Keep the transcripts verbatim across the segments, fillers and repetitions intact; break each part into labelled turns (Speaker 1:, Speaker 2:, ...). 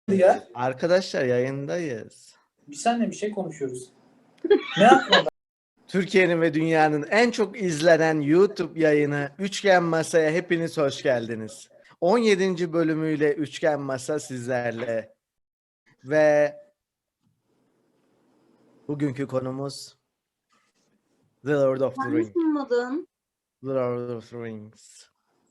Speaker 1: Ya.
Speaker 2: Arkadaşlar yayındayız.
Speaker 1: Bir seninle bir şey konuşuyoruz. Ne yapmadan?
Speaker 2: Türkiye'nin ve dünyanın en çok izlenen YouTube yayını Üçgen Masa'ya hepiniz hoş geldiniz. on yedinci bölümüyle Üçgen Masa sizlerle. Ve bugünkü konumuz The Lord of the
Speaker 3: Sen
Speaker 2: Rings.
Speaker 3: sunmadın.
Speaker 2: The Lord of the Rings.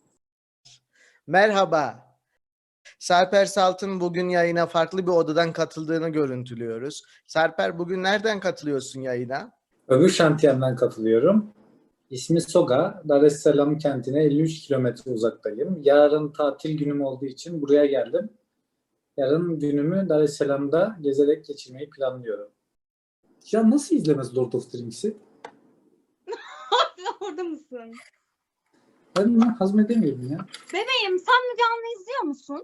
Speaker 2: Merhaba. Sarper Salt'ın bugün yayına farklı bir odadan katıldığını görüntülüyoruz. Sarper, bugün nereden katılıyorsun yayına?
Speaker 1: Öbür şantiyemden katılıyorum. İsmi Soga. Dar es Salaam kentine elli üç kilometre uzaktayım. Yarın tatil günüm olduğu için buraya geldim. Yarın günümü Dar es Salaam'da gezerek geçirmeyi planlıyorum. Ya nasıl izlemez Lord of the Rings'i?
Speaker 3: Orada mısın?
Speaker 1: Ben bunu hazmedemiyorum ya.
Speaker 3: Bebeğim sen Müge Anlı izliyor musun?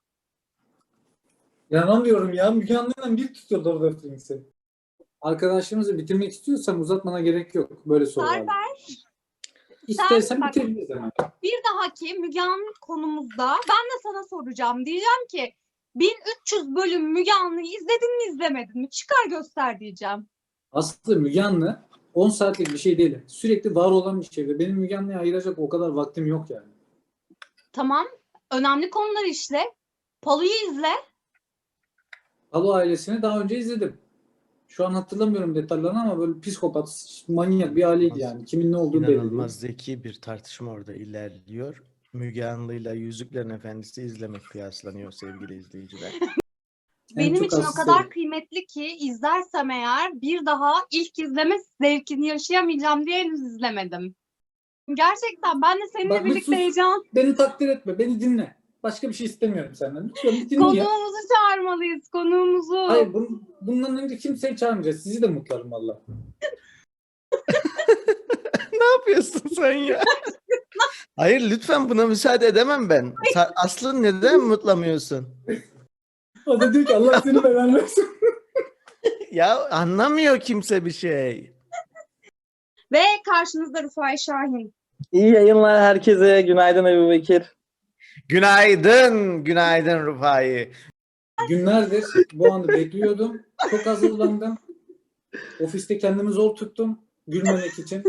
Speaker 1: İnanamıyorum ya. Müge Anlı'yla bir tutuyor Lord of the Rings'i. Arkadaşlarımızı bitirmek istiyorsan uzatmana gerek yok. Böyle sorular.
Speaker 3: Sarper,
Speaker 1: İstersen
Speaker 3: Sen-
Speaker 1: bitirebiliriz hemen.
Speaker 3: bir dahaki Müge Anlı konumuzda ben de sana soracağım. Diyeceğim ki bin üç yüz bölüm Müge Anlı'yı izledin mi izlemedin mi? Çıkar göster diyeceğim.
Speaker 1: Aslında Müge Anlı on saatlik bir şey değil. Sürekli var olan bir şey ve benim Müge Anlı'ya ayıracak o kadar vaktim yok yani.
Speaker 3: Tamam. Önemli konular işle. Palu'yu izle.
Speaker 1: Halo ailesini daha önce izledim. Şu an hatırlamıyorum detaylarını ama böyle psikopat, manyak bir aileydi yani. Kimin ne olduğu belli
Speaker 2: İnanılmaz
Speaker 1: değil.
Speaker 2: zeki bir tartışma orada ilerliyor. Müge Anlı'yla Yüzüklerin Efendisi izlemek kıyaslanıyor sevgili izleyiciler.
Speaker 3: Benim
Speaker 1: çok
Speaker 3: için o
Speaker 1: hassas
Speaker 3: kadar
Speaker 1: değilim.
Speaker 3: kıymetli ki izlersem eğer bir daha ilk izleme zevkini yaşayamayacağım diye henüz izlemedim. Gerçekten ben de seninle
Speaker 1: Bak, bir
Speaker 3: birlikte
Speaker 1: sus.
Speaker 3: heyecan.
Speaker 1: Beni takdir etme, beni dinle. Başka bir şey istemiyorum senden. Lütfen bir dinle ya.
Speaker 3: Konuğumuzu çağırmalıyız, konuğumuzu.
Speaker 1: Hayır, bun, bundan önce kimseyi çağırmayacağız. Sizi de mutlarım valla.
Speaker 2: Ne yapıyorsun sen ya? Hayır, lütfen buna müsaade edemem ben. Sa- Aslı neden mutlamıyorsun?
Speaker 1: O da diyor ki Allah seni belanı versin.
Speaker 2: Ya anlamıyor kimse bir şey.
Speaker 3: Ve karşınızda Rufai Şahin.
Speaker 4: İyi yayınlar herkese. Günaydın Ebu Bekir.
Speaker 2: Günaydın, günaydın Rufai.
Speaker 1: Günlerdir bu anı bekliyordum. Çok hazırlandım. Ofiste kendimi zor tuttum. Gülmemek için.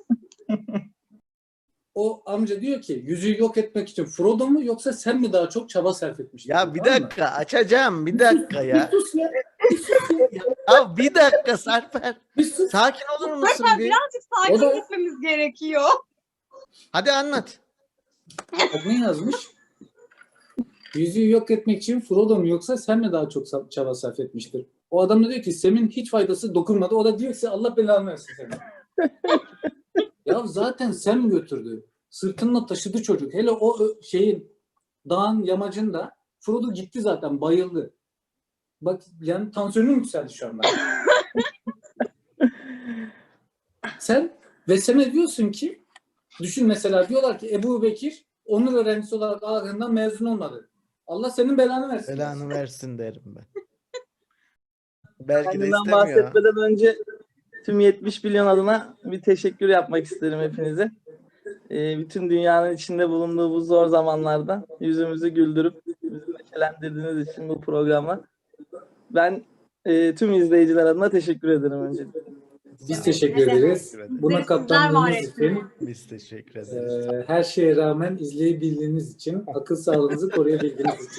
Speaker 1: O amca diyor ki yüzüğü yok etmek için Frodo mu yoksa sen mi daha çok çaba sarf etmiştin?
Speaker 2: Ya bir
Speaker 1: Tamam mı?
Speaker 2: dakika, açacağım bir dakika ya.
Speaker 1: Bir sus ya.
Speaker 2: Ya bir dakika Sarper.
Speaker 1: Bir sus.
Speaker 2: Sakin olur musun
Speaker 3: Zaten
Speaker 2: bir?
Speaker 3: birazcık sakin
Speaker 1: O da-
Speaker 3: gitmemiz gerekiyor.
Speaker 2: Hadi anlat.
Speaker 1: Bak ne yazmış? Yüzüğü yok etmek için Frodo mu yoksa sen mi daha çok sa- çaba sarf etmiştir? O adam da diyor ki Sem'in hiç faydası dokunmadı. O da diyor ki Allah belanı versin seni. Ya zaten Sem götürdü. Sırtınla taşıdı çocuk. Hele o ö- şeyin dağın yamacında Frodo gitti zaten bayıldı. Bak yani tansiyonum yükseldi şu anda. Sen ve Sem'e diyorsun ki düşün mesela diyorlar ki Ebu Bekir onur öğrencisi olarak Ağrı'ndan mezun olmadı. Allah senin belanı versin.
Speaker 2: Belanı versin derim ben. Belki de
Speaker 4: Kendimden
Speaker 2: istemiyor.
Speaker 4: bahsetmeden önce tüm yetmiş milyon adına bir teşekkür yapmak isterim hepinize. Ee, bütün dünyanın içinde bulunduğu bu zor zamanlarda yüzümüzü güldürüp bizi neşelendirdiğiniz için bu programa ben e, tüm izleyiciler adına teşekkür ederim öncelikle.
Speaker 1: Biz teşekkür
Speaker 3: Ne demek?
Speaker 1: ederiz. Buna
Speaker 3: Sizler var
Speaker 1: katlandığınız
Speaker 3: etsin.
Speaker 1: için,
Speaker 2: Biz teşekkür ederiz.
Speaker 1: e, her şeye rağmen izleyebildiğiniz için, akıl sağlığınızı koruyabildiğiniz için.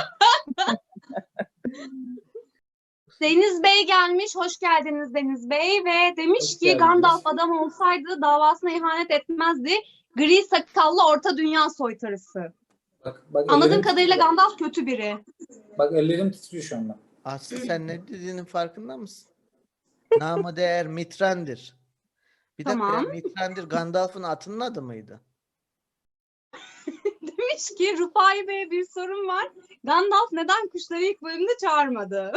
Speaker 3: Deniz Bey gelmiş. Hoş geldiniz Deniz Bey. Ve demiş
Speaker 1: Hoş
Speaker 3: ki
Speaker 1: geldiniz.
Speaker 3: Gandalf adam olsaydı davasına ihanet etmezdi. Gri sakallı orta dünya soytarısı.
Speaker 1: Bak, bak
Speaker 3: Anladığım
Speaker 1: ellerim
Speaker 3: kadarıyla
Speaker 1: titriyor.
Speaker 3: Gandalf kötü biri.
Speaker 1: Bak ellerim titriyor şu anda.
Speaker 2: Aslı sen ne dediğinin farkında mısın? Namı değer Mitrandir. Bir dakika
Speaker 3: Tamam.
Speaker 2: ya, Mitrandir Gandalf'ın atının adı mıydı?
Speaker 3: Demiş ki Rufai Bey'e bir sorun var. Gandalf neden kuşları ilk bölümde çağırmadı?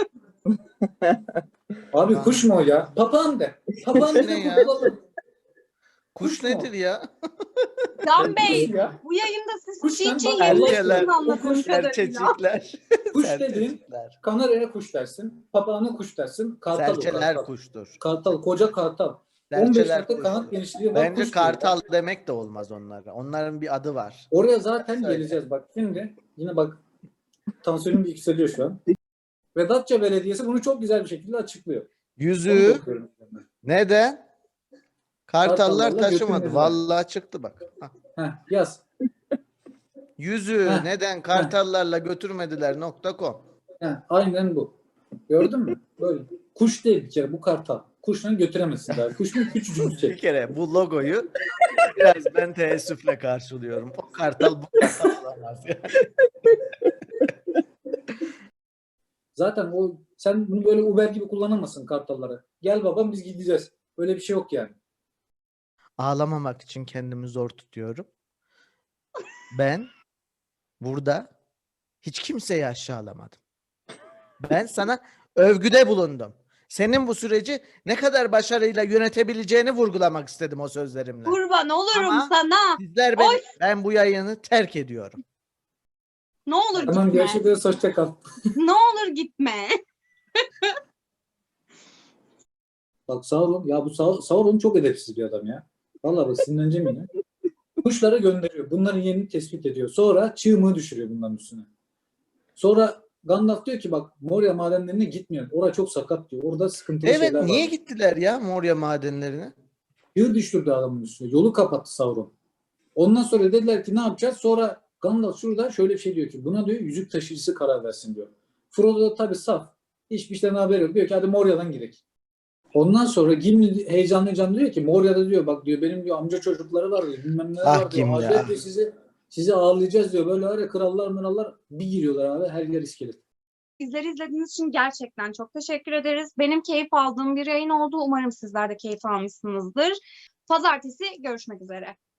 Speaker 1: Abi
Speaker 2: Aa.
Speaker 1: kuş mu o ya? Papağan de. Papağan de
Speaker 2: Ne ya?
Speaker 1: kurtulalım.
Speaker 2: Kuş
Speaker 1: Kuş mu?
Speaker 2: nedir ya?
Speaker 3: Can
Speaker 1: Kuş
Speaker 3: Bey
Speaker 1: ya.
Speaker 3: bu yayında siz
Speaker 1: Kuş
Speaker 3: çiğ
Speaker 1: lan,
Speaker 3: çiğ
Speaker 1: bak,
Speaker 3: yemişsiniz
Speaker 2: erkeler,
Speaker 3: anladığım
Speaker 1: kuş,
Speaker 3: kadarıyla.
Speaker 2: Serçecikler.
Speaker 1: Kuş
Speaker 2: Serçecikler.
Speaker 1: dediğin kanarya kuş dersin. Papağana kuş dersin. Kartal o,
Speaker 2: Serçeler
Speaker 1: kartal.
Speaker 2: kuştur.
Speaker 1: Kartal. Koca kartal. on beş
Speaker 2: Serçeler
Speaker 1: metre kanat
Speaker 2: kuştur.
Speaker 1: genişliği var.
Speaker 2: Bence
Speaker 1: kuş diyor.
Speaker 2: kartal demek de olmaz onlara. Onların bir adı var.
Speaker 1: Oraya zaten
Speaker 2: Söyle.
Speaker 1: geleceğiz bak. Şimdi yine bak Tansiyonum yükseliyor şu an. Ve Datça Belediyesi bunu çok güzel bir şekilde açıklıyor. Onu
Speaker 2: Yüzüğü
Speaker 1: da okuyorum.
Speaker 2: neden Kartallar
Speaker 1: Kartallarla
Speaker 2: taşımadı?
Speaker 1: götürmediler.
Speaker 2: Vallahi çıktı bak. Hah.
Speaker 1: Heh, yaz.
Speaker 2: Yüzüğü
Speaker 1: Heh.
Speaker 2: neden Kartallarla götürmediler nokta com.
Speaker 1: Heh, aynen bu. Gördün mü? Böyle. Kuş değil bir kere bu kartal. Kuşla götüremezsin daha. Kuş mu küçücük bir
Speaker 2: Bir
Speaker 1: şey.
Speaker 2: kere bu logoyu biraz ben teessüfle karşılıyorum. O kartal bu kartal olamaz. Yani.
Speaker 1: Zaten o sen bunu böyle Uber gibi kullanamazsın kartallara. Gel babam biz gideceğiz. Öyle bir şey yok yani.
Speaker 2: Ağlamamak için kendimi zor tutuyorum. Ben burada hiç kimseyi aşağılamadım. Ben sana övgüde bulundum. Senin bu süreci ne kadar başarıyla yönetebileceğini vurgulamak istedim o sözlerimle.
Speaker 3: Kurban olurum
Speaker 2: Ama-
Speaker 3: sana.
Speaker 2: Sizler beni,
Speaker 3: Oy.
Speaker 2: ben bu yayını terk ediyorum.
Speaker 3: Ne olur
Speaker 1: Tamam
Speaker 3: gitme.
Speaker 1: görüşürüz. Hoşça kal.
Speaker 3: Ne olur gitme.
Speaker 1: Bak Sauron. Ya bu Sau- Sauron çok edepsiz bir adam ya. Vallahi bak sinirleneceğim yine. Kuşları gönderiyor. Bunların yerini tespit ediyor. Sonra çığmığı düşürüyor bunların üstüne. Sonra Gandalf diyor ki bak Moria madenlerine gitmiyor. Orada çok sakat diyor. Orada sıkıntılı
Speaker 2: Evet,
Speaker 1: şeyler
Speaker 2: niye
Speaker 1: var.
Speaker 2: gittiler ya Moria madenlerine?
Speaker 1: Çığ düşürdü adamın üstüne. Yolu kapattı Sauron. Ondan sonra dediler ki ne yapacağız? Sonra Gandalf şurada şöyle bir şey diyor ki buna diyor yüzük taşıyıcısı karar versin diyor. Frodo da tabii saf. Hiçbir şeyden haberi yok. Diyor ki hadi Moria'dan gidelim. Ondan sonra Gimli heyecanlı heyecanlı diyor ki Moria'da diyor bak diyor benim diyor amca çocukları var diyor. Bilmem neler
Speaker 2: Ah
Speaker 1: var diyor.
Speaker 2: Gimli,
Speaker 1: Acayip
Speaker 2: ah.
Speaker 1: diyor sizi sizi ağırlayacağız diyor. Böyle var ya krallar mırallar bir giriyorlar abi. Her yer iskelet.
Speaker 3: Bizleri izlediğiniz için gerçekten çok teşekkür ederiz. Benim keyif aldığım bir yayın oldu. Umarım sizler de keyif almışsınızdır. Pazartesi görüşmek üzere.